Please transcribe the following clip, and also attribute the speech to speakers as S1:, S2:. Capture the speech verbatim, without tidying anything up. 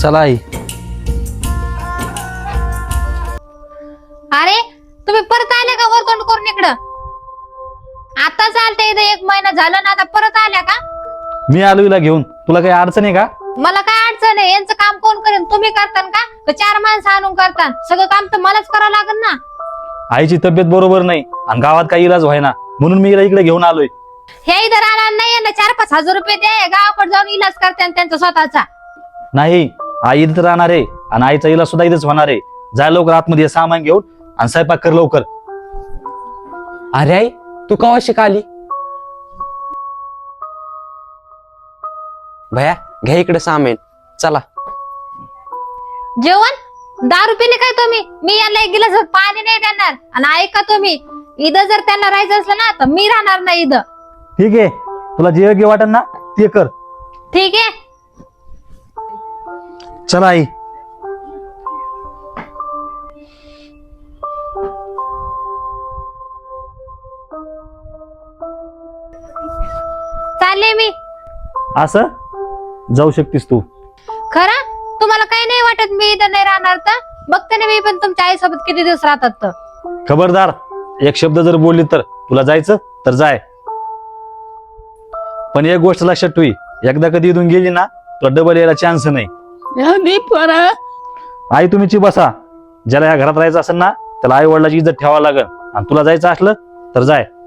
S1: चला आई.
S2: अरे तुम्ही परत आले का वरतोंड करून इकडं? आता चालते इथं एक महिना झाला ना, आता परत आल्या का?
S1: मी आलो हिला घेऊन. तुला काही अडचण आहे का?
S2: मला काय अडचण आहे? यांचं काम कोण करेन? तुम्ही करतान का? का चार माणसं आणून करतान? सगळं काम तर मलाच करावं लागेल ना.
S1: आईची तब्येत बरोबर नाही आणि गावात काही इलाज व्हायना, म्हणून मी हिला इकडे घेऊन आलोय.
S2: हे इथं राहणार नाही यांना चार पाच हजार रुपये दे, गावाकडे जाऊन इलाज करते त्यांचा स्वतःचा.
S1: नाही, आई इथं राहणार आहे आणि आईचा इलाज सुद्धा इथेच होणार आहे. जाय लवकर आतमध्ये सामान घेऊन आणि स्वयंपाक कर लवकर.
S3: अरे आई, तू कवा शिकाली? भया घ्या इकडे सामान. चला.
S2: जेवण दारू पिले काय तुम्ही? मी यांना एक गिलास पाणी नाही देणार. आणि ऐका तुम्ही, इथं जर त्यांना राहायचं असलं ना तर मी राहणार नाही इथं.
S1: ठीक आहे, तुला जे योग्य वाटेल ना ते कर.
S2: ठीक आहे.
S1: चला आई.
S2: चालले मी.
S1: असं जाऊ शकतीस तू.
S2: खरं तुम्हाला काही नाही वाटत मी इथं नाही राहणार तर? बघते ना मी पण तुमच्या आईसोबत किती दिवस राहतात तर.
S1: खबरदार, एक शब्द जर बोलली तर तुला जायचं तर जाय. पण एक गोष्ट लक्षात ठेवी, एकदा कधी इथून गेली ना तुला डबल यायला चान्स नाही. आई तुम्हीची बसा. ज्याला या घरात राहायचं असेल ना त्याला आई वडिलाची इज्जत ठेवावं लागेल आणि तुला जायचं असलं तर जाय.